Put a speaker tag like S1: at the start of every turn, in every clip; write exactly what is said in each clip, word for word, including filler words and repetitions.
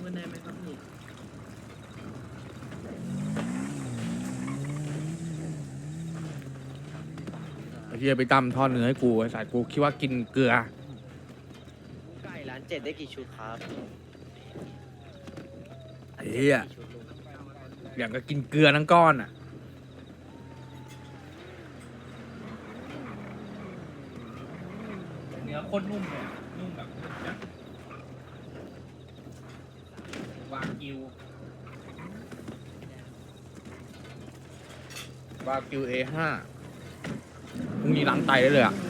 S1: มันได้ไหมครับพี่
S2: ไอ้เฮียไปตำทอดเนื้อให้กูไอ้สายกูคิดว่ากินเกลือ
S3: ไก่ร้านเจ็ดได้กี่ชุดครับ
S2: ไอ้เฮียอย่างก็กินเกลือทั้งก้อนอ่ะเนื้อโคตรนุ่มเลยนุ่มแบบวากิววากิว เอ ห้า พรุ่งนี้ล้างไตได้เลยอ่ะ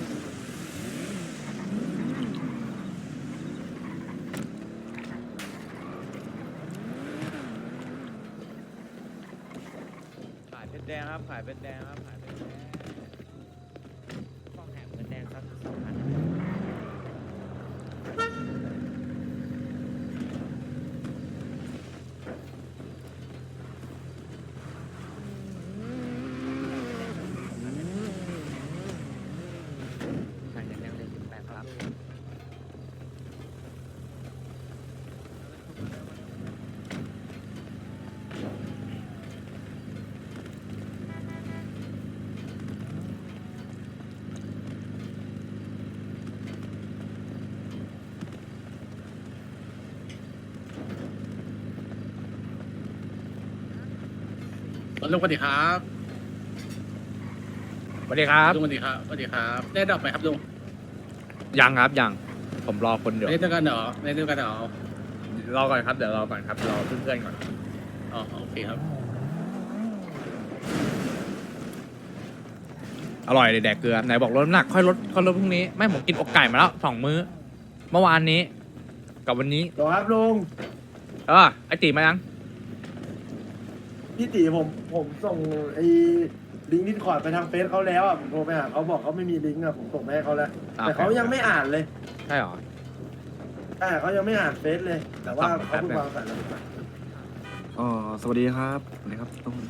S3: ขายเป็นแดงครับขายเป็นแดงครับขายเป็นแดงฟองแหมเป็นแดงครับสองพัน ขายเป็นแดงเลยสิบแปดครับ
S4: ลุงสวัสดีครับ
S2: สวัสดีครับ
S4: ลุงสวัสดีครับสวัสดีครับได้ดอกไหมครับลุง
S2: ยังครับยังผมรอคนเดียว
S4: ไม่ได้ด้วยกันเหรอไม่ได้ด้วยกันเหรอ
S2: รอก่อนครับเดี๋ยวรอก่อนครับรอเพื่อนๆก่อน
S4: อ๋อโอเคครับ
S2: อร่อยเลยแดกเกลือไหนบอกลดน้ำหนักค่อยลดค่อยลดพรุ่งนี้ไม่ผมกินอกไก่มาแล้วสองมื้อ เมื่อวานนี้กับวันนี้
S5: ต่อครับลุง
S2: เออไอตีมายัง
S5: พี่ตีผมผมส่งไอ้ลิงก์ดิสคอร์ดไปทางเฟซเขาแล้วอ่ะผมโทรไปหาเขาบอกเขาไม่มีลิงก์อ่ะผมส่งไปให้เขาแล้วแต่เขายังไม่อ่านเลย
S2: ใช่หรอ
S5: อ่าเขายังไม่อ่านเฟซเลย แต่ว่า
S2: ครับ
S5: เขาเพิ่งวางสายแล้ว
S6: อ๋อสวัสดีครับสวัสดีครับลุง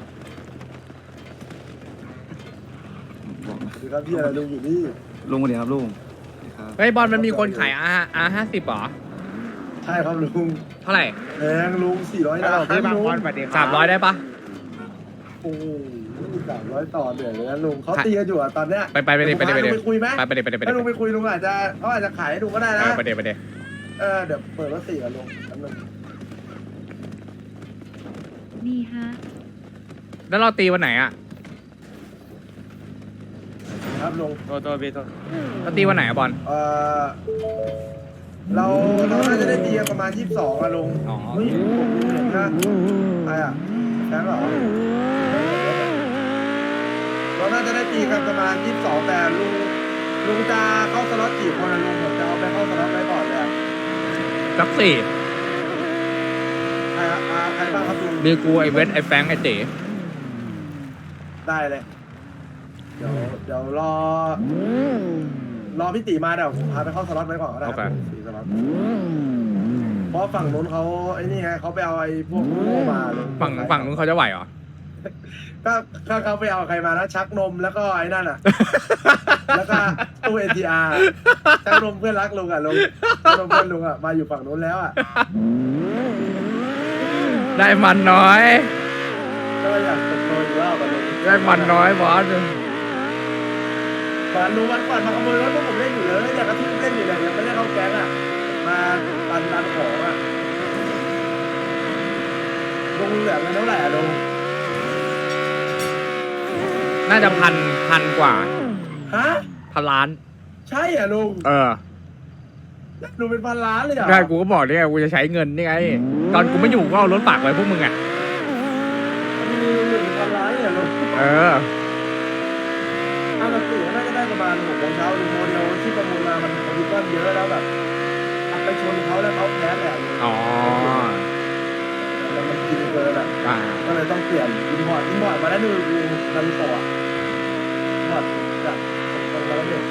S6: บอกนะ
S5: คือครับพี่อะไรลุงอยู่นี่
S6: ลุงสวัสดีครับลุงสวัสดีครับ
S2: เฮ้ยบอลมันมีคนขายอาอาห้าสิบหรอ
S5: ใช่ครับลุง
S2: เท่าไหร่
S5: แพงลุงสี่ร้อยดาวพี่บางวันไปดิ
S2: สามร้อยได้ปะ
S5: โอ้โหสามร้อยต่อเดือนเลยนะลุงเขาตีกันอยู่อ่ะตอนเนี้ย
S2: ไปไปไปเดี๋ยวไปเดี๋ยวไป
S5: ลุ
S2: เดี๋
S5: ง
S2: ยว
S5: ไปคุยไหม
S2: ไปไปเดี๋ยวไปเดี๋ยวไป
S5: ถ้า
S2: เดี๋
S5: ลุ
S2: ยว
S5: งไปคุยลุงอาจจะเขาอาจจะขายให้ลุงก็ได้นะ
S2: ไปเดี๋ยวไปเดี๋ยว
S5: เออเดี๋ยวเปิดรถสี่กับลุงแป๊บนึง
S7: ดีฮะ
S2: แล้วเราตีวันไหนอ่ะ
S5: ครับลุง
S3: โทษโทษพี่โทษ
S2: เราตีวันไหนอะบอล
S5: เออเราเราน่าจะได้ตีกันประมาณยี่สิบสองอะลุง
S2: อ๋อ
S5: เฮ้ยผมเห็นนะใครอะแฟนเหรอเราน่าจะได้ตีกันประมาณยี่สิบสองแต่ลุงลุงจะเข้าสล็อตกี่คนอะลุงผมจะเอาไปเข้าสล็อตไปก่อนเลยอะ
S2: สักสี่
S5: ใครอะอ่าใครบ้างครับลุง
S2: มีกูไอเวทไอแฟงไอเต๋
S5: ได้เลย เดี๋ยวเดี๋ยวรอ รอพี่ตีมาเดี๋ยวผมพาไปเข้าสล็อตไว้ก่อนก็ได้ครับสี่สล็อตเพราะฝั่งนู้นเขาไอ้นี่ไงเขาไปเอาไอ้พวกโง่มาลุง
S2: ฝั่งฝั่งนู้นเขาจะไหวเหรอ
S5: ก็ก็เขาไปเอาใครมานะชักนมแล้วก็ไอ้นั่นอ่ะ แล้วก็ตู้เอทีอาร์ชักนมเพื่อนรักลุงอ่ะลุงชักนมเพื่อนลุงอ่ะมาอยู่ฝั่งนู้นแล้วอ่ะ
S2: ได้มันน้อย
S5: ก็อยากเติบโตอีกรอบอ่ะลุง
S2: ได้มันน้อยบอส
S5: ก่อนลุงวันก่อนมาขโมยรถพวกผมเล่นอยู่เลยอยากกระทุ่มเล่นอยู่เลยยังไม่ได้เข้าแก๊งอ่ะมาดันดันของอ่ะลุงเหลือเงินเท่าไหร่อ่ะลุง
S2: น่าจะพันพันกว่า
S5: ฮะ
S2: พันล้าน
S5: ใช่อ่ะลุง
S2: เออ
S5: ลุงเป็นพันล้านเลยเหรอ
S2: ใช่กูก็บอกนี่ไงกูจะใช้เงินนี่ไง ตอนกูไม่อยู่ก็เอารถฝากไว้พวกมึงอ่ะ
S5: มีหนึ่งพันล้านเลยเหรอลุง
S2: เออ
S5: ถ้ามันตื่นน่าจะได้ประมาณหกโมงเช้าลุงโมเดลที่ประมูลมามันคอมพิวเตอร์เยอะแล้วแบบขับไปชนเขาแล้วเขาแพ้แหละลุง
S2: อ๋อ
S5: แล้วมันกินเกินอ่ะ
S2: อ่า
S5: ก็เลยต้องเปลี่ยนอินพอร์ตอินพอร์ตมาได้ดูดูนาฬิกาอินพอร์ตจากตรงนั้นเนี่ย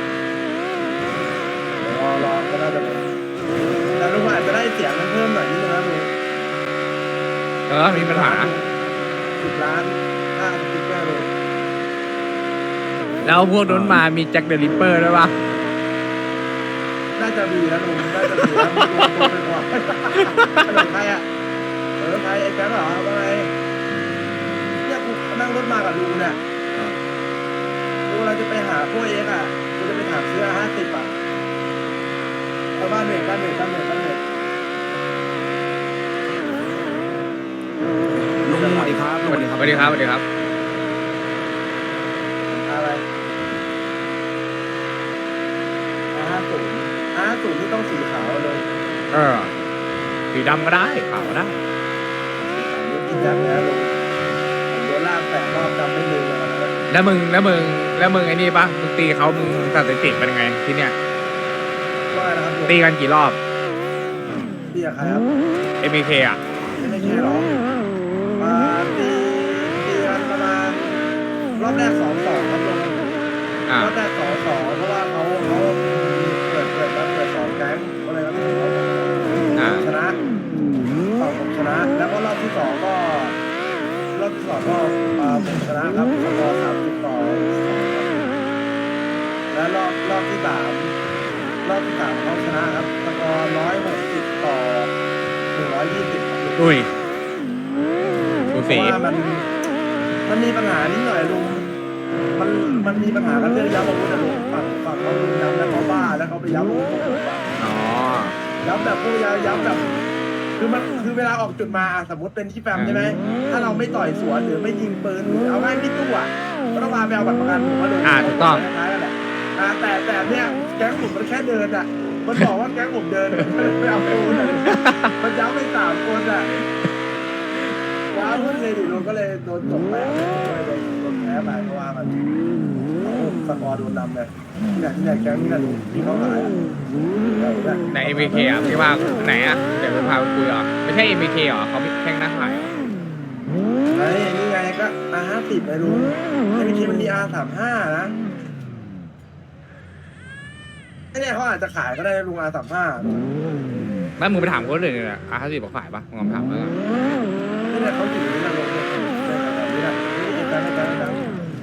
S5: รอรอก็น่าจะเป็นแต่ลุงอาจจะได้เสียงมันเพิ่มหน่อยนิดนึงนะลุง
S2: เออ มีปัญหา
S5: สิบล้านห้าสติ๊กเกอร์เลย
S2: แล้วพวกนั้นมามีแจ็คเดอะริปเปอร์ด้วยปะ
S5: ได้น่าจะมีนะลุงน่าจะมีนะลุงลุงเป็นห่วงอะไรใครอ่ะเออใครไอ้แก๊งเหรอว่าไงเนี่ยกูนั่งรถมากับลุงเนี่ยกูเราจะไปหาพวกเอ็กอ่ะกูจะไปถามซื้อห้าสิบอ่ะเอาบ้านเด็กบ้านเด็กบ้านเด็กบ้านเด็ก
S6: ลุงสวัสดีครับลุงสวัสดีค
S2: ส
S6: รับ
S2: วัสดีครับสวัสดีครับ
S5: อะไรห้าศูนย์ห้าศูนย์ที่ต้องสีขาวเลย
S2: เออสีดำก็ได้ขาวก็ได้
S5: นี่กินยักษ์นะลุงผมโดนลากแปดรอบจำไม่ลืมเลยนะ
S2: แล้วมึงแล้วมึงแล้วมึงไอ้นี่ปะมึงตีเขามึงสถิติเป็นยังไงที่เนี้ย
S5: ว่านะครับลุง
S2: ตีกันกี่รอบ
S5: ตีกับใครครับ
S2: เอ็มเคอ่ะ
S5: ไม่ใช่หรอมาตีตีกันประมาณรอบแรกสองสองครับลุง
S2: อ่าร
S5: อบแรกสองสองเพราะว่าเขาเขาเปิดเปิดมาเปิดสองแก๊งก็เลยครับเขา
S2: อ่า
S5: ชนะฝั่งผมชนะ แล้วก็รอบที่สองก็ รอบที่สองก็อ่าผมชนะครับสกอร์สามสิบต่อสองครับและรอบรอบที่สามรอบที่สามเขาชนะครับสกอร์ร้อยหกสิบต่อหนึ่งร้อยยี่สิบครับ
S2: อุ้ยดู
S5: เพ
S2: สี
S5: ราะว่ามันมันมีปัญหานิดหน่อยลุงมันมันมีปัญหากันเรื่องย้ำอาวุธนะลุงฝั่งฝั่งเขาลุงย้ำแล้วเขาบ้าแล้วเขาไปย้ำอาวุธผมว่า
S2: อ๋อ
S5: ย้ำแบบพวกย้ำย้ำแบบ คือมันคือเวลาออกจุดมาอ่ะสมมติเป็นที่แฟมใช่ไหมถ้าเราไม่ต่อยสวนหรือไม่ยิงปืนหรือเอาง่ายพี่ตู้อ่ะก็ต้องพาไปเอาบัตรประกันผมมาดู
S2: อ่าถูกต้อง
S5: คล้ายๆกันแหละอ่าแต่แต่เนี่ยแก๊งผมมันแค่เดินอ่ะมันบอกว่าแก๊งผมเดินไปเอาปืนอะมันย้ำไปสามคนอ่ะว้าวเพื่อนเลยดิลุงก็เลยโดนจบไปเลยโดนโดนแพ้ไปเพราะว่ามันโอ้โหสกอร์โดนนำเลยเนี่ยเนี่ยแก๊งนี่นะลุงที่เขาขายอ่ะเนี่ย
S2: ในเอ็มเคอ่ะที่ว่าไหนอ่ะเดี๋ยวไปพาไปคุยอ่ะไม่ใช่เอ็มเคเหรอเขาแข่งนักขายเหรอ
S5: ไอ้นี่ไงก็ อาร์ ห้าสิบไงลุงไอ้วิธีมันมี อาร์ สามสิบห้า นะไอ้เนี่ยเขาอาจจะขายก็ได้นะลุง อาร์ สามสิบห้า
S2: แล้วมึงไปถามเขาเลยเนี่ยอาร์ตสิบอกขายปะมึงลองถามแล้วกัน
S5: นี่เนี่ยเขาอยู่นี่นะลุงเนี่ยแบบนี้นะนี่การในการการ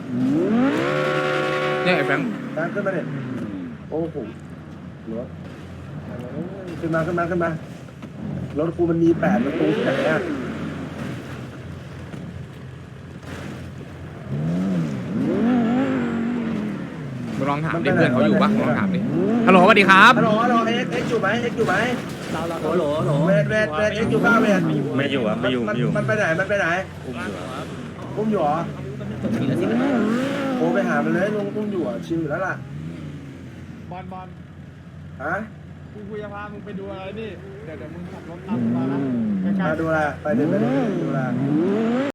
S2: เนี่ยไอ้แฟง
S5: การขึ้นมาเนี่ยโอ้โหรถขึ้นมาขึ้นมาขึ้นมารถกูมันมีแปดประตูที่ไหนอ่ะ
S2: มึงลองถามดิเพื่อนเขาอยู่ปะมึงลองถามดิฮัลโหลสวัสดีครับ
S5: ฮัลโหลฮัลโหลเอ็กเอ็กอยู่ไหมเอ็กอยู่ไหม
S3: เราเราโหลโหล
S5: เวทเวทเวทเอ็กอยู่บ้าเวท
S1: ไม่อยู่อ่ะไม่อยู่ไม่อยู่
S5: มันไปไหนมันไปไหนอุ้มอยู่เหรอ
S3: ทีละสิบนาที
S5: โทรไปหามันเลยลุงอุ้มอยู่อ่ะชิวอยู่แล้วล่ะ
S7: บอลบอล
S5: ฮะ
S7: กูกูจะพามึงไปดูอะไรนี่ เดี๋ยวเดี๋ยวมึงขับรถตามมานะใกล้
S5: มา
S7: ๆ
S5: ดูแลไปเดินไปเดินดูแล